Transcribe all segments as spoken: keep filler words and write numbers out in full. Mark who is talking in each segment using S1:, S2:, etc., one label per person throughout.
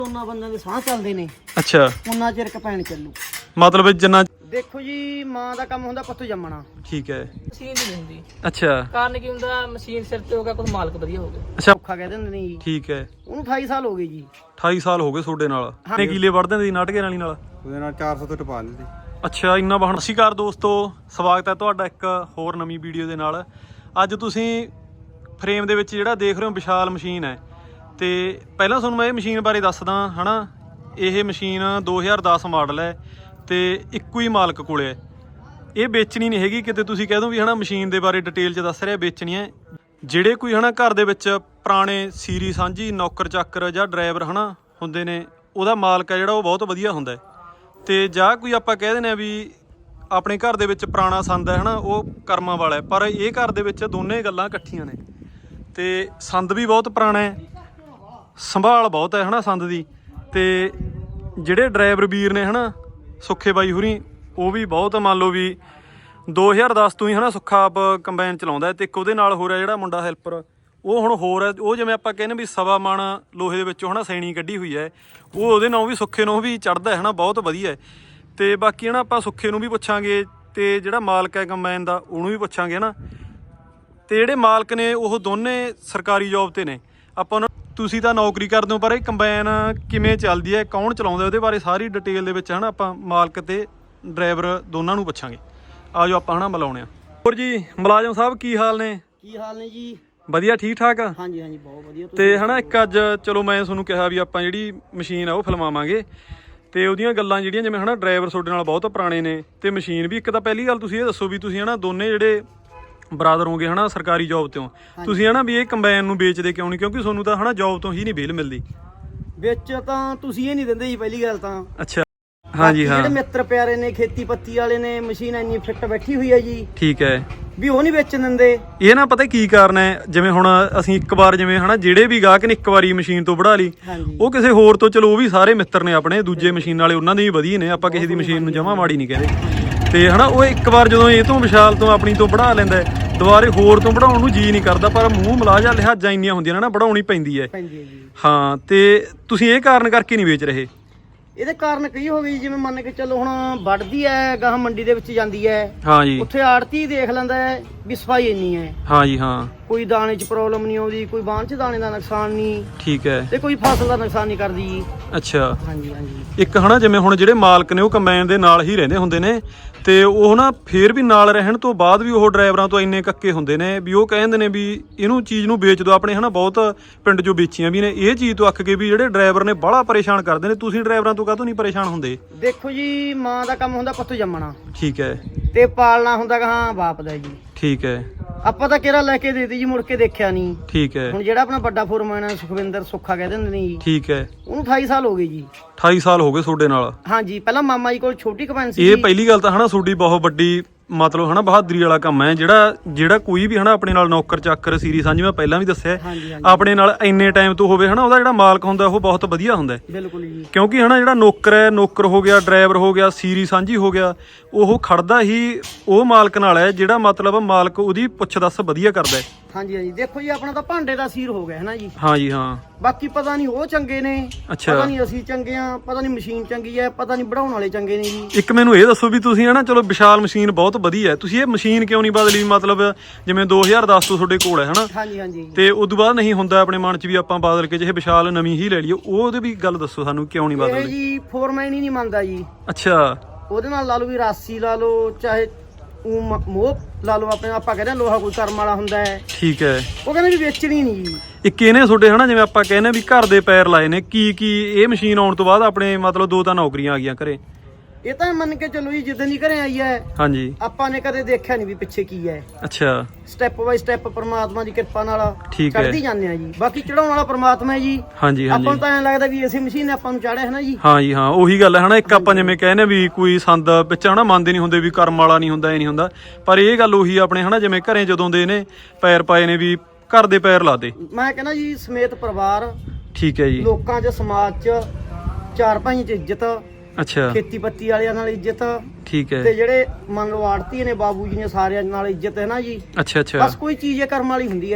S1: ਉਹਨਾਂ ਬੰਦਿਆਂ ਦੇ ਸਾਹ ਚੱਲਦੇ ਨੇ
S2: ਅੱਛਾ
S1: ਉਹਨਾਂ ਚਿਰ ਕਪੈਣ ਚੱਲੂ
S2: ਮਤਲਬ ਜਿੰਨਾ
S1: ਦੇਖੋ ਜੀ ਮਾਂ ਦਾ ਕੰਮ ਹੁੰਦਾ ਪੁੱਤ ਜੰਮਣਾ
S2: ਠੀਕ ਹੈ
S3: ਮਸ਼ੀਨ ਨਹੀਂ ਹੁੰਦੀ
S2: ਅੱਛਾ
S3: ਕਾਰਨ ਕੀ ਹੁੰਦਾ ਮਸ਼ੀਨ ਸਿਰ ਤੇ ਹੋ ਗਿਆ ਕੋਈ ਮਾਲਕ ਵਧੀਆ ਹੋ ਗਿਆ
S2: ਅੱਛਾ
S1: ਔਖਾ ਕਹਿ ਦਿੰਦੇ ਨੇ ਜੀ
S2: ਠੀਕ ਹੈ
S1: ਉਹਨੂੰ ਅਠਾਈ ਸਾਲ ਹੋ ਗਏ ਜੀ
S2: ਅਠਾਈ ਸਾਲ ਹੋ ਗਏ ਤੁਹਾਡੇ ਨਾਲ ਕਿੰਨੇ ਕਿੱਲੇ ਵੜਦੇ ਨੇ ਨਾਟਕੇ ਵਾਲੀ ਨਾਲ
S4: ਉਹਦੇ ਨਾਲ ਚਾਰ ਸੌ ਤੋਂ ਟਪਾ ਲੈਂਦੇ
S2: ਅੱਛਾ ਇੰਨਾ ਵਾਹਣ ਸਤਿ ਸ਼੍ਰੀ ਅਕਾਲ ਦੋਸਤੋ ਸਵਾਗਤ ਹੈ ਤੁਹਾਡਾ ਇੱਕ ਹੋਰ ਨਵੀਂ ਵੀਡੀਓ ਦੇ ਨਾਲ ਅੱਜ ਤੁਸੀਂ ਫਰੇਮ ਦੇ ਵਿੱਚ ਜਿਹੜਾ ਦੇਖ ਰਹੇ ਹੋ ਵਿਸ਼ਾਲ ਮਸ਼ੀਨ ਹੈ ਤੇ ਪਹਿਲਾਂ ਤੁਹਾਨੂੰ ਮੈਂ ਇਹ ਮਸ਼ੀਨ ਬਾਰੇ ਦੱਸਦਾ ਹਨਾ ਇਹ ਮਸ਼ੀਨ ਦੋ ਹਜ਼ਾਰ ਦਸ ਮਾਡਲ ਹੈ ਤੇ ਇੱਕੋ ਹੀ ਮਾਲਕ ਕੋਲੇ ਹੈ ਇਹ ਵੇਚਣੀ ਨਹੀਂ ਹੈਗੀ ਕਿਤੇ ਤੁਸੀਂ ਕਹਿ ਦੋ ਵੀ ਹਨਾ ਮਸ਼ੀਨ ਦੇ ਬਾਰੇ ਡਿਟੇਲ 'ਚ ਦੱਸ ਰਿਹਾ ਵੇਚਣੀ ਹੈ ਜਿਹੜੇ ਕੋਈ ਹਨਾ ਘਰ ਦੇ ਵਿੱਚ ਪੁਰਾਣੇ ਸੀਰੀ ਸਾਂਝੀ ਨੌਕਰ ਚਾਕਰ ਜਾਂ ਡਰਾਈਵਰ ਹਨਾ ਹੁੰਦੇ ਨੇ ਉਹਦਾ ਮਾਲਕ ਹੈ ਜਿਹੜਾ ਉਹ ਬਹੁਤ ਵਧੀਆ ਹੁੰਦਾ ਤੇ ਜਾਂ ਕੋਈ ਆਪਾਂ ਕਹਿ ਦਿੰਦੇ ਆ ਵੀ ਆਪਣੇ ਘਰ ਦੇ ਵਿੱਚ ਪੁਰਾਣਾ ਸੰਦ ਹੈ ਹਨਾ ਉਹ ਕਰਮਾਂ ਵਾਲਾ ਹੈ ਪਰ ਇਹ ਘਰ ਦੇ ਵਿੱਚ ਦੋਨੇ ਗੱਲਾਂ ਇਕੱਠੀਆਂ ਨੇ ਤੇ ਸੰਦ ਵੀ ਬਹੁਤ ਪੁਰਾਣਾ ਹੈ ਸੰਭਾਲ ਬਹੁਤ ਹੈ ਹਨਾ ਸੰਦ ਦੀ ਤੇ ਜਿਹੜੇ ਡਰਾਈਵਰ ਵੀਰ ਨੇ ਹਨਾ ਸੁੱਖੇ ਬਾਈ ਹੁਰੀ ਉਹ ਵੀ ਬਹੁਤ ਮੰਨ ਲਓ ਵੀ ਦੋ ਹਜ਼ਾਰ ਦਸ ਤੋਂ ਹੀ ਹਨਾ ਸੁੱਖਾ ਆਪ ਕੰਬਾਈਨ ਚਲਾਉਂਦਾ ਤੇ ਇੱਕ ਉਹਦੇ ਨਾਲ ਹੋ ਰਿਹਾ ਜਿਹੜਾ ਮੁੰਡਾ ਹੈਲਪਰ ਉਹ ਹੁਣ ਹੋਰ ਹੈ ਉਹ ਜਿਵੇਂ ਆਪਾਂ ਕਹਿੰਦੇ ਵੀ ਸਵਾ ਮਣ ਲੋਹੇ ਦੇ ਵਿੱਚੋਂ ਹਨਾ ਸੈਣੀ ਕੱਢੀ ਹੋਈ ਹੈ ਉਹ ਉਹਦੇ ਨਾਲ ਵੀ ਸੁੱਖੇ ਨੂੰ ਵੀ ਚੜ੍ਹਦਾ ਹੈ ਹਨਾ ਬਹੁਤ ਵਧੀਆ ਤੇ ਬਾਕੀ ਹਨਾ ਆਪਾਂ ਸੁੱਖੇ ਨੂੰ ਵੀ ਪੁੱਛਾਂਗੇ ਤੇ ਜਿਹੜਾ ਮਾਲਕ ਹੈ ਕੰਬਾਈਨ ਦਾ ਉਹਨੂੰ ਵੀ ਪੁੱਛਾਂਗੇ ਹਨਾ ਤੇ ਜਿਹੜੇ ਮਾਲਕ ਨੇ ਉਹ ਦੋਨੇ ਸਰਕਾਰੀ ਜੌਬ ਤੇ ਨੇ ਆਪਾਂ ਤੁਸੀਂ ਤਾਂ ਨੌਕਰੀ ਕਰਦੇ ਹੋ ਪਰ ਇਹ ਕੰਬਾਈਨ ਕਿਵੇਂ ਚੱਲਦੀ ਹੈ ਕੌਣ ਚਲਾਉਂਦਾ ਉਹਦੇ ਬਾਰੇ ਸਾਰੀ ਡਿਟੇਲ ਦੇ ਵਿੱਚ ਹਨਾ ਆਪਾਂ ਮਾਲਕ ਤੇ ਡਰਾਈਵਰ ਦੋਨਾਂ ਨੂੰ ਪੁੱਛਾਂਗੇ ਆਜੋ ਆਪਾਂ ਹਨਾ ਮਿਲਾਉਣੇ ਆ ਹੋਰ ਜੀ ਮੁਲਾਜ਼ਮ ਸਾਹਿਬ ਕੀ ਹਾਲ ਨੇ
S1: ਕੀ ਹਾਲ ਨੇ ਜੀ
S2: ਵਧੀਆ ਠੀਕ ਠਾਕ
S1: ਹਾਂਜੀ ਹਾਂਜੀ ਬਹੁਤ ਵਧੀਆ
S2: ਤੇ ਹਨਾ ਇੱਕ ਅੱਜ ਚਲੋ ਮੈਂ ਤੁਹਾਨੂੰ ਕਿਹਾ ਵੀ ਆਪਾਂ ਜਿਹੜੀ ਮਸ਼ੀਨ ਆ ਉਹ ਫਿਲਮਾਵਾਂਗੇ ਤੇ ਉਹਦੀਆਂ ਗੱਲਾਂ ਜਿਹੜੀਆਂ ਜਿਵੇਂ ਹਨਾ ਡਰਾਈਵਰ ਤੁਹਾਡੇ ਨਾਲ ਬਹੁਤ ਪੁਰਾਣੇ ਨੇ ਤੇ ਮਸ਼ੀਨ ਵੀ ਇੱਕ ਤਾਂ ਪਹਿਲੀ ਗੱਲ ਤੁਸੀਂ ਇਹ ਦੱਸੋ ਵੀ ਤੁਸੀਂ ਹਨਾ ਦੋਨੇ ਜਿਹੜੇ ਬਰਾਦਰ ਹੋਗੇ ਹਨਾ ਸਰਕਾਰੀ ਜੌਬ ਤੋਂ ਤੁਸੀਂ ਹਨਾ ਵੀ ਇਹ ਕੰਬਾਈਨ ਨੂੰ ਵੇਚਦੇ ਕਿਉਂ ਨਹੀਂ ਕਿਉਂਕਿ ਤੁਹਾਨੂੰ ਤਾਂ ਹਨਾ ਜੌਬ ਤੋਂ ਹੀ ਨਹੀਂ ਵੇਲ ਮਿਲਦੀ
S1: ਵਿੱਚ ਤਾਂ ਤੁਸੀਂ ਇਹ ਨਹੀਂ ਦਿੰਦੇ ਜੀ ਪਹਿਲੀ ਗੱਲ ਤਾਂ
S2: ਅੱਛਾ ਹਾਂਜੀ ਹਾਂ
S1: ਜਿਹੜੇ ਮਿੱਤਰ ਪਿਆਰੇ ਨੇ ਖੇਤੀ ਪੱਤੀ ਵਾਲੇ ਨੇ ਮਸ਼ੀਨ ਇੰਨੀ ਫਿੱਟ ਬੈਠੀ ਹੋਈ ਹੈ ਜੀ
S2: ਠੀਕ ਹੈ
S1: ਵੀ ਉਹ ਨਹੀਂ ਵੇਚਣ ਦਿੰਦੇ
S2: ਇਹ ਨਾ ਪਤਾ ਕੀ ਕਾਰਨ ਹੈ ਜਿਵੇਂ ਹੁਣ ਅਸੀਂ ਇੱਕ ਵਾਰ ਜਿਵੇਂ ਹਨਾ ਜਿਹੜੇ ਵੀ ਗਾਹਕ ਨੇ ਇੱਕ ਵਾਰੀ ਮਸ਼ੀਨ ਤੋਂ ਵੜਾ ਲਈ ਉਹ ਕਿਸੇ ਹੋਰ ਤੋਂ ਚਲੋ ਉਹ ਵੀ ਸਾਰੇ ਮਿੱਤਰ ਨੇ ਆਪਣੇ ਦੂਜੇ ਮਸ਼ੀਨ ਵਾਲੇ ਉਹਨਾਂ ਦੇ ਵੀ ਵਧੀਆ ਨੇ ਆਪਾਂ ਕਿਸੇ ਦੀ ਮਸ਼ੀਨ ਨੂੰ ਜਮਾ ਮਾੜੀ ਨਹੀਂ ਕਹਿੰਦੇ ਤੇ ਹਨਾ ਉਹ ਇੱਕ ਵਾਰ ਜਦੋਂ ਇਹ ਤੋਂ ਵਿਸ਼ਾਲ ਤੋਂ ਆਪਣੀ ਤੋਂ ਵੜਾ ਲੈਂਦਾ ਦੁਬਾਰੇ ਹੋਰ ਤੋਂ ਵੜਾਉਣ ਨੂੰ ਜੀ ਨਹੀਂ ਕਰਦਾ ਪਰ ਮੂੰਹ ਮਲਾਜਾ ਲਿਹਾਜ਼ਾਂ ਇੰਨੀਆਂ ਹੁੰਦੀਆਂ ਨੇ ਨਾ ਵੜਾਉਣੀ ਪੈਂਦੀ ਹੈ ਹਾਂ ਤੇ ਤੁਸੀਂ ਇਹ ਕਾਰਨ ਕਰਕੇ ਨਹੀਂ ਵੇਚ ਰਹੇ
S1: ਇਹਦੇ ਕਾਰਨ ਕਈ ਹੋ ਗਈ ਜਿਵੇਂ ਮੰਨ ਕੇ ਚੱਲੋ ਹੁਣ ਵੱਢਦੀ ਹੈ ਗਾਹ ਮੰਡੀ ਦੇ ਵਿੱਚ ਜਾਂਦੀ ਹੈ
S2: ਹਾਂ ਜੀ
S1: ਉੱਥੇ ਆੜਤੀ ਦੇਖ ਲੈਂਦਾ ਹੈ ਵੀ ਸਫਾਈ ਇੰਨੀ ਹੈ
S2: ਹਾਂ ਜੀ ਹਾਂ
S1: ਕੋਈ ਦਾਣੇ 'ਚ ਪ੍ਰੋਬਲਮ ਨਹੀਂ ਆਉਂਦੀ ਕੋਈ ਬਾਂਹ 'ਚ ਦਾਣੇ ਦਾ ਨੁਕਸਾਨ ਨਹੀਂ
S2: ਠੀਕ ਹੈ
S1: ਤੇ ਕੋਈ ਫਸਲ ਦਾ ਨੁਕਸਾਨ ਨਹੀਂ ਕਰਦੀ ਜੀ
S2: ਅੱਛਾ
S1: ਹਾਂਜੀ ਹਾਂਜੀ
S2: ਇੱਕ ਹਨਾ ਜਿਵੇਂ ਹੁਣ ਜਿਹੜੇ ਮਾਲਕ ਨੇ ਉਹ ਕੰਬਾਈਨ ਦੇ ਨਾਲ ਹੀ ਰਹਿੰਦੇ ਹੁੰਦੇ ਨੇ ਤੇ ਉਹ ਨਾ ਫੇਰ ਵੀ ਨਾਲ ਰਹਿਣ ਤੋਂ ਬਾਅਦ ਵੀ ਉਹ ਡਰਾਈਵਰਾਂ ਤੋਂ ਇੰਨੇ ਕੱਕੇ ਹੁੰਦੇ ਨੇ ਵੀ ਉਹ ਕਹਿੰਦੇ ਨੇ ਵੀ ਇਹਨੂੰ ਚੀਜ਼ ਨੂੰ ਵੇਚ ਦਿਓ ਆਪਣੇ ਹਨਾ ਬਹੁਤ ਪਿੰਡ 'ਚੋਂ ਵੇਚੀਆਂ ਵੀ ਨੇ ਇਹ ਚੀਜ਼ ਤੋਂ ਅੱਕ ਕੇ ਵੀ ਜਿਹੜੇ ਡਰਾਈਵਰ ਨੇ ਬਾਹਲਾ ਪਰੇਸ਼ਾਨ ਕਰਦੇ ਨੇ ਤੁਸੀਂ ਡਰਾਈਵਰਾਂ ਤੋਂ ਕਾਹਤੋਂ ਨਹੀਂ ਪਰੇਸ਼ਾਨ ਹੁੰਦੇ
S1: ਦੇਖੋ ਜੀ ਮਾਂ ਦਾ ਕੰਮ ਹੁੰਦਾ ਪੁੱਤ ਜੰਮਣਾ
S2: ਠੀਕ ਹੈ
S1: ਤੇ ਪਾਲਣਾ ਹੁੰਦਾ ਹਾਂ ਬਾਪ ਦਾ ਜੀ
S2: ਠੀਕ ਹੈ
S1: ਆਪਾਂ ਤਾਂ ਕਿਹੜਾ ਲੈ ਕੇ ਦੇਤੀ ਜੀ ਮੁੜ ਕੇ ਦੇਖਿਆ ਨਹੀਂ
S2: ਠੀਕ ਹੈ
S1: ਹੁਣ ਜਿਹੜਾ ਆਪਣਾ ਵੱਡਾ ਫੋਰਮੈਨ ਹੈ ਸੁਖਵਿੰਦਰ ਸੁੱਖਾ ਕਹਿ ਦਿੰਦੇ ਨੇ ਜੀ
S2: ਠੀਕ ਹੈ
S1: ਉਹਨੂੰ ਅਠਾਈ ਸਾਲ ਹੋ ਗਏ ਜੀ
S2: ਅਠਾਈ ਸਾਲ ਹੋ ਗਏ ਤੁਹਾਡੇ ਨਾਲ
S1: ਹਾਂਜੀ ਪਹਿਲਾਂ ਮਾਮਾ ਜੀ ਕੋਲ ਛੋਟੀ ਕੰਬਾਈਨ ਸੀ
S2: ਇਹ ਪਹਿਲੀ ਗੱਲ ਤਾਂ ਹਨਾ ਤੁਹਾਡੀ ਬਹੁਤ ਵੱਡੀ ਮਤਲਬ ਹਨਾ ਬਹਾਦਰੀ ਵਾਲਾ ਕੰਮ ਹੈ ਜਿਹੜਾ ਜਿਹੜਾ ਕੋਈ ਵੀ ਹਨਾ ਆਪਣੇ ਨਾਲ ਨੌਕਰ ਚਾਕਰ ਸੀਰੀ ਸਾਂਝੀ ਮੈਂ ਪਹਿਲਾਂ ਵੀ ਦੱਸਿਆ ਆਪਣੇ ਨਾਲ ਇੰਨੇ ਟਾਈਮ ਤੋਂ ਹੋਵੇ ਹਨਾ ਉਹਦਾ ਜਿਹੜਾ ਮਾਲਕ ਹੁੰਦਾ ਉਹ ਬਹੁਤ ਵਧੀਆ ਹੁੰਦਾ
S1: ਬਿਲਕੁਲ ਜੀ
S2: ਕਿਉਂਕਿ ਹਨਾ ਜਿਹੜਾ ਨੌਕਰ ਹੈ ਨੌਕਰ ਹੋ ਗਿਆ ਡਰਾਈਵਰ ਹੋ ਗਿਆ ਸੀਰੀ ਸਾਂਝੀ ਹੋ ਗਿਆ ਉਹ ਖੜਦਾ ਹੀ ਉਹ ਮਾਲਕ ਨਾਲ ਹੈ ਜਿਹੜਾ ਮਤਲਬ ਮਾਲਕ ਉਹਦੀ ਪੁੱਛ ਦੱਸ ਵਧੀਆ ਕਰਦਾ ਹੈ
S1: ਹਾਂਜੀ ਹਾਂਜੀ ਦੇਖੋ ਜੀ ਆਪਣਾ ਤਾਂ ਭਾਂਡੇ ਦਾ ਸੀਰ ਹੋ ਗਿਆ ਹੈ ਨਾ ਜੀ
S2: ਹਾਂ ਜੀ ਹਾਂ
S1: ਬਾਕੀ ਪਤਾ ਨਹੀਂ ਉਹ ਚੰਗੇ ਨੇ
S2: ਅੱਛਾ
S1: ਪਤਾ ਨਹੀਂ ਅਸੀਂ ਚੰਗੇ ਆ ਪਤਾ ਨਹੀਂ ਮਸ਼ੀਨ ਚੰਗੀ ਹੈ ਪਤਾ ਨਹੀਂ ਬਣਾਉਣ ਵਾਲੇ ਚੰਗੇ ਨੇ ਜੀ
S2: ਇੱਕ ਮੈਨੂੰ ਇਹ ਦੱਸੋ ਵੀ ਤੁਸੀਂ ਹਨਾ ਚਲੋ ਵਿਸ਼ਾਲ ਮਸ਼ੀਨ ਬਹੁਤ ਵਧੀਆ ਹੈ ਤੁਸੀਂ ਇਹ ਮਸ਼ੀਨ ਕਿਉਂ ਨਹੀਂ ਬਦਲੀ ਮਤਲਬ ਜਿਵੇਂ ਦੋ ਹਜ਼ਾਰ ਦਸ ਤੋਂ ਤੁਹਾਡੇ ਕੋਲ ਹੈ ਹਨਾ
S1: ਹਾਂਜੀ ਹਾਂਜੀ
S2: ਤੇ ਉਦੋਂ ਬਾਅਦ ਨਹੀਂ ਹੁੰਦਾ ਆਪਣੇ ਮਨ 'ਚ ਵੀ ਆਪਾਂ ਬਦਲ ਕੇ ਜਿਹੇ ਵਿਸ਼ਾਲ ਨਵੀਂ ਹੀ ਲੈ ਲਈਏ ਉਹਦੇ ਵੀ ਗੱਲ ਦੱਸੋ ਸਾਨੂੰ ਕਿਉਂ ਨਹੀਂ
S1: ਇਹ
S2: ਬਦਲਦੀ
S1: ਜੀ ਫੋਰਮੈਨ ਹੀ ਨਹੀਂ ਮੰਨਦਾ ਜੀ
S2: ਅੱਛਾ
S1: ਉਹਦੇ ਨਾਲ ਲਾ ਲਓ ਵੀ ਰਾਸੀ ਲਾ ਲਓ ਚਾਹੇ ਉਹ ਮੋਹ ਲਾ ਲਓ ਆਪਣੇ ਆਪਾਂ ਕਹਿੰਦੇ ਲੋਹਾ ਕੋਈ ਕਰਮ ਵਾਲਾ ਹੁੰਦਾ ਹੈ
S2: ਠੀਕ ਹੈ
S1: ਉਹ ਕਹਿੰਦੇ ਵੀ ਵੇਚਣੀ ਨਹੀਂ ਜੀ
S2: ਇੱਕ ਇਹਨੇ ਤੁਹਾਡੇ ਹਨਾ ਜਿਵੇਂ ਆਪਾਂ ਕਹਿੰਦੇ ਵੀ ਘਰ ਦੇ ਪੈਰ ਲਾਏ ਨੇ ਕੀ ਕੀ ਇਹ ਮਸ਼ੀਨ ਆਉਣ ਤੋਂ ਬਾਅਦ ਆਪਣੇ ਮਤਲਬ ਦੋ ਤਾਂ ਨੌਕਰੀਆਂ ਆ ਗਈਆਂ ਘਰੇ
S1: ਇਹ ਤਾਂ ਮੰਨ ਕੇ ਚੱਲੋ ਜੀ ਜਿੱਦਾਂ ਦੀ ਘਰੇ ਆਈ ਹੈ
S2: ਹਾਂਜੀ
S1: ਆਪਾਂ ਨੇ ਕਦੇ ਦੇਖਿਆ ਨਹੀਂ ਵੀ ਪਿੱਛੇ ਕੀ ਹੈ
S2: ਅੱਛਾ
S1: ਸਟੈਪ ਬਾਈ ਸਟੈਪ ਪ੍ਰਮਾਤਮਾ ਦੀ ਕਿਰਪਾ ਨਾਲ
S2: ਠੀਕ ਹੈ
S1: ਚੜ੍ਹਦੀ ਜਾਂਦੇ ਆ ਜੀ ਬਾਕੀ ਚੜਾਉਣ ਵਾਲਾ ਪ੍ਰਮਾਤਮਾ ਹੈ ਜੀ
S2: ਹਾਂਜੀ ਹਾਂਜੀ
S1: ਆਪਾਂ ਨੂੰ ਤਾਂ ਐਂ ਲੱਗਦਾ ਵੀ ਇਸੇ ਮਸ਼ੀਨ ਨੇ ਆਪਾਂ ਨੂੰ ਚਾੜਿਆ ਹੈ ਨਾ ਜੀ
S2: ਹਾਂ ਜੀ ਹਾਂ ਉਹੀ ਗੱਲ ਹੈ ਹਨਾ ਇੱਕ ਆਪਾਂ ਜਿਵੇਂ ਕਹਿੰਦੇ ਵੀ ਕੋਈ ਸੰਦ ਵਿੱਚ ਹਨਾ ਮੰਨਦੇ ਨਹੀਂ ਹੁੰਦੇ ਵੀ ਕਰਮ ਵਾਲਾ ਨਹੀਂ ਹੁੰਦਾ ਇਹ ਨਹੀਂ ਹੁੰਦਾ ਪਰ ਇਹ ਗੱਲ ਉਹੀ ਆਪਣੇ ਹਨਾ ਜਿਵੇਂ ਘਰੇ ਜਦੋਂ ਦੇ ਨੇ ਪੈਰ ਪਾਏ ਨੇ ਵੀ ਘਰ ਦੇ ਪੈਰ ਲਾਦੇ
S1: ਮੈਂ ਕਹਿੰਦਾ ਜੀ ਸਮੇਤ ਪਰਿਵਾਰ
S2: ਠੀਕ ਹੈ ਜੀ
S1: ਲੋਕਾਂ 'ਚ ਸਮਾਜ 'ਚ ਚਾਰ ਭਾਈ 'ਚ ਇੱਜ਼ਤ
S2: ਅੱਛਾ
S1: ਖੇਤੀ ਪੱਤੀ ਵਾਲਿਆਂ ਨਾਲ ਇੱਜ਼ਤ
S2: ਠੀਕ ਹੈ
S1: ਤੇ ਜਿਹੜੇ ਮੰਨ ਲਓ ਆੜਤੀ ਨੇ ਬਾਬੂ ਜੀ ਨੇ ਸਾਰਿਆਂ ਨਾਲ ਇੱਜ਼ਤ ਹੈ ਨਾ ਜੀ
S2: ਅੱਛਾ ਅੱਛਾ
S1: ਬਸ ਕੋਈ ਚੀਜ਼ ਇਹ ਕਰਮ ਵਾਲੀ ਹੁੰਦੀ ਹੈ ਜੀ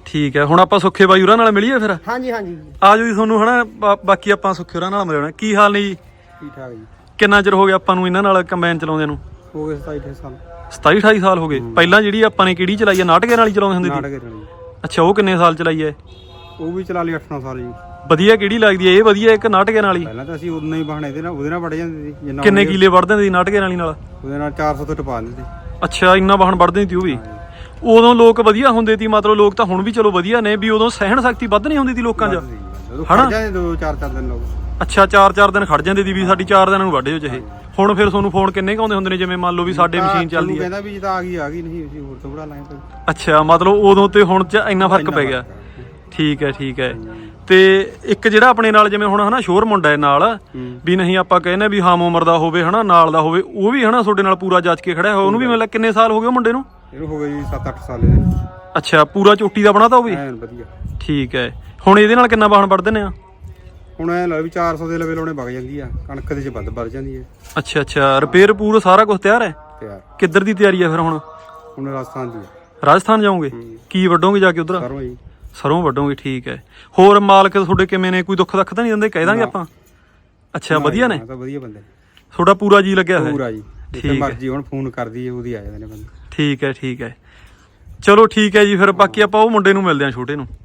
S2: ਠੀਕ ਹੈ, ਹੁਣ ਆਪਾਂ ਸੁੱਖੇ ਬਾਈ ਹੋਰਾਂ ਨਾਲ ਮਿਲੀਏ ਫਿਰ।
S1: ਹਾਂਜੀ ਹਾਂਜੀ
S2: ਆ ਜਾਓ ਜੀ, ਤੁਹਾਨੂੰ ਹਨਾ ਬਾ- ਬਾਕੀ ਆਪਾਂ ਸੁੱਖੇ ਹੋਰਾਂ ਨਾਲ ਮਿਲਣਾ। ਕੀ ਹਾਲ ਨੇ ਜੀ?
S4: ਠੀਕ ਠਾਕ ਜੀ।
S2: ਕਿੰਨਾ ਚਿਰ ਹੋ ਗਿਆ ਆਪਾਂ ਨੂੰ ਇਹਨਾਂ ਨਾਲ ਕੰਬਾਈਨ ਚਲਾਉਂਦੇ ਨੂੰ?
S4: ਹੋ ਗਏ ਸਤਾਈ ਅਠਾਈ ਸਾਲ।
S2: ਸਤਾਈ ਅਠਾਈ ਸਾਲ ਹੋ ਗਏ। ਪਹਿਲਾਂ ਜਿਹੜੀ ਆਪਾਂ ਨੇ ਕਿਹੜੀ ਚਲਾਈ ਹੈ, ਨਾਟਕੇ ਨਾਲ ਹੀ ਚਲਾਉਂਦੇ ਹੁੰਦੇ ਸੀ?
S4: ਨਾਟਕ ਨਾਲ ਜੀ।
S2: ਅੱਛਾ, ਉਹ ਕਿੰਨੇ ਸਾਲ ਚਲਾਈ ਹੈ?
S4: ਉਹ ਵੀ ਚਲਾ ਲਈ ਅੱਠ ਨੌ ਸਾਲ ਜੀ।
S2: ਵਧੀਆ ਕਿਹੜੀ ਲੱਗਦੀ ਹੈ? ਇਹ ਵਧੀਆ ਇੱਕ ਨਾਟਕੇ ਨਾਲ ਹੀ?
S4: ਪਹਿਲਾਂ ਤਾਂ ਅਸੀਂ ਉਦੋਂ ਹੀ ਬਹਾਨੇ ਦੇ ਨਾਲ ਉਹਦੇ ਨਾਲ ਵੜ ਜਾਂਦੇ ਸੀ ਜਿੰਨਾ
S2: ਕਿੰਨੇ ਕਿੱਲੇ ਵੜਦੇ ਹੁੰਦੇ ਸੀ ਨਾਟਕੇ ਨਾਲ ਹੀ ਨਾਲ?
S4: ਉਹਦੇ ਨਾਲ ਚਾਰ ਸੌ ਤੋਂ ਟਪਾ ਦਿੰਦੇ।
S2: ਅੱਛਾ, ਇੰਨਾ ਵਾਹਣ ਵੜਦੇ ਸੀ ਉਹ ਵੀ? ਉਦੋਂ ਲੋਕ ਵਧੀਆ ਹੁੰਦੇ ਸੀ, ਮਤਲਬ ਲੋਕ ਤਾਂ ਹੁਣ ਵੀ ਚਲੋ ਵਧੀਆ ਨੇ, ਵੀ ਉਦੋਂ ਸਹਿਣ ਸ਼ਕਤੀ ਵੱਧ ਨਹੀਂ ਹੁੰਦੀ ਸੀ ਲੋਕਾਂ 'ਚ?
S4: ਜਦੋਂ ਖੜ ਜਾਂਦੇ ਦੋ ਚਾਰ ਚਾਰ ਦਿਨ ਲੋਕ।
S2: ਅੱਛਾ, ਚਾਰ ਚਾਰ ਦਿਨ ਖੜ ਜਾਂਦੇ ਸੀ ਵੀ ਸਾਡੀ ਚਾਰ ਦਿਨਾਂ ਨੂੰ ਵੱਢ ਜਾਓ ਚਾਹੇ। ਹੁਣ ਫਿਰ ਤੁਹਾਨੂੰ ਫੋਨ ਕਿੰਨੇ ਕੁ ਆਉਂਦੇ ਹੁੰਦੇ ਨੇ, ਜਿਵੇਂ ਮੰਨ ਲਓ ਵੀ ਸਾਡੇ ਮਸ਼ੀਨ ਚੱਲਦੀ ਹੈ?
S4: ਕਹਿੰਦਾ ਵੀ ਜਿੱਦਾਂ ਆ ਗਈ ਆ ਗਈ, ਨਹੀਂ ਅਸੀਂ ਹੋਰ ਤੋਂ ਬੜਾ ਲਾਂਗੇ।
S2: ਅੱਛਾ, ਮਤਲਬ ਉਦੋਂ ਤੇ ਹੁਣ 'ਚ ਇੰਨਾ ਫਰਕ ਪੈ ਗਿਆ। ਠੀਕ ਹੈ ਠੀਕ ਹੈ। ਤੇ ਇੱਕ ਜਿਹੜਾ ਆਪਣੇ ਨਾਲ ਜਿਵੇਂ ਹੁਣ ਹਨਾ ਸ਼ੋਰ ਮੁੰਡਾ ਹੈ ਨਾਲ, ਵੀ ਨਹੀਂ ਆਪਾਂ ਕਹਿੰਦੇ ਵੀ ਹਮ ਉਮਰ ਦਾ ਹੋਵੇ ਹਨਾ, ਨਾਲ ਦਾ ਹੋਵੇ, ਉਹ ਵੀ ਹਨਾ ਤੁਹਾਡੇ ਨਾਲ ਪੂਰਾ ਜੱਜ ਕੇ ਖੜਿਆ ਹੋਇਆ, ਉਹਨੂੰ ਵੀ ਮਤਲਬ ਕਿੰਨੇ ਸਾਲ ਹੋ ਗਏ ਉਹ ਮੁੰਡੇ ਨੂੰ?
S4: ਇਹਨੂੰ ਹੋ ਗਏ ਜੀ ਸੱਤ ਅੱਠ ਸਾਲ ਇਹਦੇ।
S2: ਅੱਛਾ, ਪੂਰਾ ਚੋਟੀ ਦਾ ਬਣਾਤਾ ਉਹ ਵੀ?
S4: ਐਨ ਵਧੀਆ।
S2: ਠੀਕ ਹੈ। ਹੁਣ ਇਹਦੇ ਨਾਲ ਕਿੰਨਾ ਵਾਹਣ ਵੱਢਦੇ ਨੇ ਆ?
S4: ਹੁਣ ਐ ਲਾ ਵੀ ਚਾਰ ਸੌ ਦੇ ਲਵੇ ਲਾਉਣੇ ਵਗ ਜਾਂਦੀ ਆ, ਕਣਕ ਦੇ ਚ ਵੱਧ ਵੱਧ ਜਾਂਦੀ ਹੈ।
S2: ਅੱਛਾ ਅੱਛਾ, ਰਿਪੇਅਰ ਪੂਰਾ ਸਾਰਾ ਕੁਝ ਤਿਆਰ ਹੈ?
S4: ਤਿਆਰ।
S2: ਕਿੱਧਰ ਦੀ ਤਿਆਰੀ ਹੈ ਫਿਰ ਹੁਣ?
S4: ਹੁਣ ਰਾਜਸਥਾਨ ਦੀ ਆ।
S2: ਰਾਜਸਥਾਨ ਜਾਓਗੇ? ਕੀ ਵੱਢੋਗੇ ਜਾ ਕੇ ਉਧਰ?
S4: ਸਰੋਂ ਜੀ।
S2: ਸਰੋਂ ਵੱਢੋਗੇ, ਠੀਕ ਹੈ। ਹੋਰ ਮਾਲਕ ਤੁਹਾਡੇ ਕਿਵੇਂ ਨੇ? ਕੋਈ ਦੁੱਖ ਦੱਖ ਤਾਂ ਨਹੀਂ ਦਿੰਦੇ? ਕਹਿ ਦਾਂਗੇ ਆਪਾਂ। ਅੱਛਾ, ਵਧੀਆ ਨੇ?
S4: ਤਾਂ ਵਧੀਆ ਬੰਦੇ ਨੇ।
S2: ਤੁਹਾਡਾ ਪੂਰਾ ਜੀ ਲੱਗਿਆ ਹੋਇਆ?
S4: ਪੂਰਾ ਜੀ।
S2: ਠੀਕ
S4: ਜਿੱਥੇ
S2: ਹੈ।
S4: ਮਰਜੀ ਹੁਣ ਫੋਨ ਕਰਦੀ ਹੈ ਉਹਦੀ ਆ ਜਾਂਦੇ ਨੇ ਬੰਦੇ।
S2: ਠੀਕ ਹੈ ਠੀਕ ਹੈ, ਚਲੋ ਠੀਕ ਹੈ ਜੀ। ਫਿਰ ਬਾਕੀ ਆਪਾਂ ਉਹ ਮੁੰਡੇ ਨੂੰ ਮਿਲਦੇ ਹਾਂ, ਛੋਟੇ ਨੂੰ।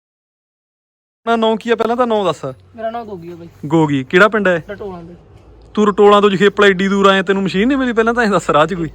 S2: ਨਾ ਨਾਂ ਕੀ ਆ ਪਹਿਲਾਂ ਤਾਂ? ਨਾਂ ਦੱਸ।
S3: ਮੇਰਾ ਨਾਮ ਗੋਗੀ ਹੈ ਬਾਈ।
S2: ਗੋਗੀ ਕਿਹੜਾ ਪਿੰਡ ਹੈ?
S3: ਰਟੋਲਾਂ ਦੇ।
S2: ਤੂੰ ਰਟੋਲਾਂ ਤੋਂ ਜਖੇਪਲਾ ਏਡੀ ਦੂਰ ਆਏ, ਤੈਨੂੰ ਮਸ਼ੀਨ ਨਹੀਂ ਮਿਲੀ ਪਹਿਲਾਂ ਤਾਂ? ਇਹ ਦੱਸ ਰਾਹ 'ਚ ਕੋਈ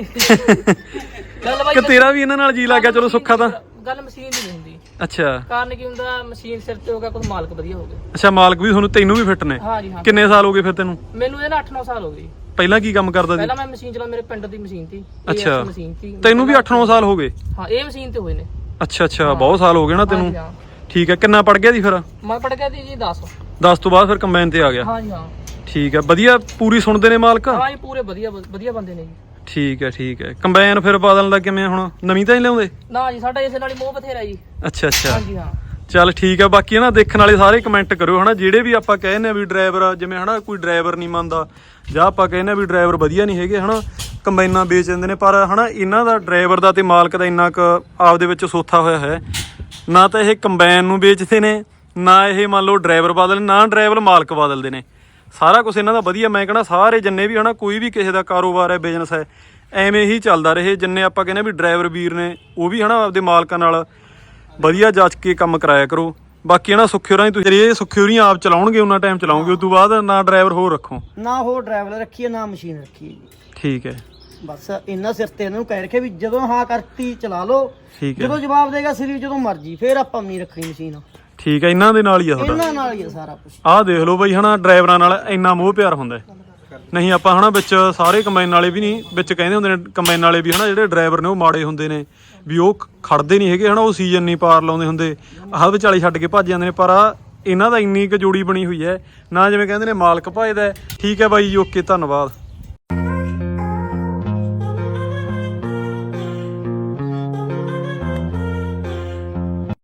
S3: ਗੱਲ ਬਾਈ
S2: ਕਿ ਤੇਰਾ ਵੀ ਇਹਨਾਂ ਨਾਲ ਜੀ ਲੱਗ ਗਿਆ? ਚਲੋ ਸੁੱਖਾ ਤਾਂ।
S3: ਗੱਲ ਮਸ਼ੀਨ ਦੀ ਨਹੀਂ ਹੁੰਦੀ।
S2: ਅੱਛਾ।
S3: ਕਾਰਨ ਕੀ ਹੁੰਦਾ, ਮਸ਼ੀਨ ਸਿਰ ਤੇ ਹੋ ਗਿਆ, ਕੁਝ ਮਾਲਕ ਵਧੀਆ ਹੋ ਗਏ।
S2: ਅੱਛਾ, ਮਾਲਕ ਵੀ ਤੁਹਾਨੂੰ, ਤੈਨੂੰ ਵੀ ਫਿੱਟ ਨੇ?
S3: ਹਾਂਜੀ ਹਾਂ।
S2: ਕਿੰਨੇ ਸਾਲ ਹੋ ਗਏ ਫਿਰ ਤੈਨੂੰ?
S3: ਮੈਨੂੰ ਇਹਦੇ ਨਾਲ ਅੱਠ ਨੌ ਸਾਲ ਹੋ ਗਏ।
S2: ਪਹਿਲਾਂ ਕੀ ਕੰਮ ਕਰਦਾ ਸੀ?
S3: ਪਹਿਲਾਂ ਮੈਂ ਮਸ਼ੀਨ ਚਲਾ, ਮੇਰੇ ਪਿੰਡ ਦੀ ਮਸ਼ੀਨ ਸੀ।
S2: ਅੱਛਾ,
S3: ਮਸ਼ੀਨ ਸੀ।
S2: ਤੈਨੂੰ ਵੀ ਅੱਠ ਨੌ ਸਾਲ ਹੋ ਗਏ?
S3: ਹਾਂ, ਇਹ ਮਸ਼ੀਨ ਤੇ ਹੋਏ ਨੇ।
S2: ਅੱਛਾ ਅੱਛਾ, ਬਹੁਤ ਸਾਲ ਹੋ ਗਏ ਨਾ ਤੈਨੂੰ।
S3: ਹਾਂਜੀ ਹਾਂ।
S2: ਠੀਕ ਹੈ। ਕਿੰਨਾ ਪੜ ਗਿਆ ਸੀ ਫਿਰ?
S3: ਮੈਂ ਪੜ ਗਿਆ ਸੀ ਜੀ ਦਸ।
S2: ਦਸ ਤੋਂ ਬਾਅਦ ਫਿਰ ਕੰਬਾਈਨ ਤੇ ਆ ਗਿਆ?
S3: ਹਾਂਜੀ ਹਾਂ।
S2: ਠੀਕ ਹੈ, ਵਧੀਆ ਪੂਰੀ ਸੁਣਦੇ ਨੇ ਮਾਲਕ?
S3: ਹਾਂ ਜੀ, ਪੂਰੇ ਵਧੀਆ ਵਧੀਆ ਬੰਦੇ ਨੇ ਜੀ।
S2: ਠੀਕ ਹੈ ਠੀਕ ਹੈ। ਕੰਬਾਈਨ ਫਿਰ ਬਦਲਣ ਦਾ ਕਿਵੇਂ ਹੁਣ? ਨਵੀਂ ਤਾਂ ਨਹੀਂ ਲਿਆਉਂਦੇ?
S3: ਨਾ ਜੀ, ਸਾਡਾ ਇਸੇ ਨਾਲ ਹੀ ਮੋਹ ਬਥੇਰਾ ਜੀ।
S2: ਅੱਛਾ ਅੱਛਾ,
S3: ਹਾਂਜੀ ਹਾਂ।
S2: ਚੱਲ ਠੀਕ ਹੈ। ਬਾਕੀ ਨਾ ਦੇਖਣ ਵਾਲੇ ਸਾਰੇ ਕਮੈਂਟ ਕਰਿਓ ਹਨਾ, ਜਿਹੜੇ ਵੀ ਆਪਾਂ ਕਹਿੰਦੇ ਆ ਵੀ ਡਰਾਈਵਰ ਜਿਵੇਂ ਹਨਾ ਕੋਈ ਡਰਾਈਵਰ ਨਹੀਂ ਮੰਨਦਾ, ਜਾਂ ਆਪਾਂ ਕਹਿੰਦੇ ਆ ਵੀ ਡਰਾਈਵਰ ਵਧੀਆ ਨਹੀਂ ਹੈਗੇ ਹਨਾ, ਕੰਬਾਈਨਾਂ ਵੇਚ ਦਿੰਦੇ ਨੇ, ਪਰ ਹਨਾ ਇਹਨਾਂ ਦਾ ਡਰਾਈਵਰ ਦਾ ਤੇ ਮਾਲਕ ਦਾ ਇੰਨਾ ਕੁ ਆਪਦੇ ਵਿੱਚ ਸੋਥਾ ਹੋਇਆ ਹੈ, ਨਾ ਤਾਂ ਇਹ ਕੰਬਾਈਨ ਨੂੰ ਵੇਚਦੇ ਨੇ, ਨਾ ਇਹ ਮੰਨ ਲਓ ਡਰਾਈਵਰ ਬਦਲ, ਨਾ ਡਰਾਈਵਰ ਮਾਲਕ ਬਦਲਦੇ ਨੇ। ਸਾਰਾ ਕੁਝ ਇਹਨਾਂ ਦਾ ਵਧੀਆ। ਮੈਂ ਕਹਿੰਦਾ ਸਾਰੇ ਜਿੰਨੇ ਵੀ ਹਨਾ ਕੋਈ ਵੀ ਕਿਸੇ ਦਾ ਕਾਰੋਬਾਰ ਹੈ, ਬਿਜ਼ਨਸ ਹੈ, ਐਵੇਂ ਹੀ ਚੱਲਦਾ ਰਹੇ। ਜਿੰਨੇ ਆਪਾਂ ਕਹਿੰਦੇ ਵੀ ਡਰਾਈਵਰ ਵੀਰ ਨੇ, ਉਹ ਵੀ ਹਨਾ ਆਪਦੇ ਮਾਲਕਾਂ ਨਾਲ ਵਧੀਆ ਜਾਂਚ ਕੇ ਕੰਮ ਕਰਾਇਆ ਕਰੋ। ਬਾਕੀ ਹਨਾ ਸੁੱਖੇ ਹੋਰਾਂ ਦੀ ਤੁਸੀਂ ਇਹ ਸੁੱਖੇ ਹੋਰੀ ਆਪ ਚਲਾਉਣਗੇ, ਉਹਨਾਂ ਟਾਈਮ ਚਲਾਉਂਗੇ, ਉਸ ਤੋਂ ਬਾਅਦ ਨਾ ਡਰਾਈਵਰ ਹੋਰ ਰੱਖੋ।
S1: ਨਾ ਹੋਰ ਡਰਾਈਵਰ ਰੱਖੀਏ, ਨਾ ਮਸ਼ੀਨ ਰੱਖੀਏ ਜੀ।
S2: ਠੀਕ ਹੈ।
S1: ਬਸ ਇਹਨਾਂ ਸਿਰ ਤੇ ਇਹਨਾਂ ਨੂੰ ਕਹਿ ਰੱਖਿਆ ਵੀ ਜਦੋਂ ਹਾਂ ਕਰਤੀ ਚਲਾ ਲਓ,
S2: ਠੀਕ ਹੈ।
S1: ਜਦੋਂ ਜਵਾਬ ਦੇਗਾ ਸਰੀਰ ਜਦੋਂ ਮਰਜੀ, ਫੇਰ ਆਪਾਂ ਨਹੀਂ ਰੱਖਣੀ ਮਸ਼ੀਨ।
S2: ਠੀਕ ਹੈ, ਇਹਨਾਂ ਦੇ ਨਾਲ ਹੀ ਆ ਤੁਹਾਡਾ?
S1: ਇਹਨਾਂ ਨਾਲ ਹੀ ਆ ਸਾਰਾ ਕੁਝ।
S2: ਆਹ ਦੇਖ ਲਓ ਬਈ ਹਨਾ, ਡਰਾਈਵਰਾਂ ਨਾਲ ਇੰਨਾ ਮੋਹ ਪਿਆਰ ਹੁੰਦਾ ਹੈ। ਨਹੀਂ ਆਪਾਂ ਹਨਾ ਵਿੱਚ ਸਾਰੇ ਕੰਬਾਈਨ ਵਾਲੇ ਵੀ ਨਹੀਂ, ਵਿੱਚ ਕਹਿੰਦੇ ਹੁੰਦੇ ਨੇ ਕੰਬਾਈਨ ਵਾਲੇ ਵੀ ਹਨਾ ਜਿਹੜੇ ਡਰਾਈਵਰ ਨੇ ਉਹ ਮਾੜੇ ਹੁੰਦੇ ਨੇ, ਵੀ ਉਹ ਖੜਦੇ ਨਹੀਂ ਹੈਗੇ ਹਨਾ, ਉਹ ਸੀਜ਼ਨ ਨਹੀਂ ਪਾਰ ਲਾਉਂਦੇ ਹੁੰਦੇ, ਆਹ ਵਿਚਾਲੇ ਛੱਡ ਕੇ ਭੱਜ ਜਾਂਦੇ ਨੇ। ਪਰ ਆ ਇਹਨਾਂ ਦਾ ਇੰਨੀ ਕੁ ਜੋੜੀ ਬਣੀ ਹੋਈ ਹੈ ਨਾ, ਜਿਵੇਂ ਕਹਿੰਦੇ ਨੇ ਮਾਲਕ ਭਜਦਾ। ਠੀਕ ਹੈ ਬਾਈ ਜੀ, ਓਕੇ, ਧੰਨਵਾਦ।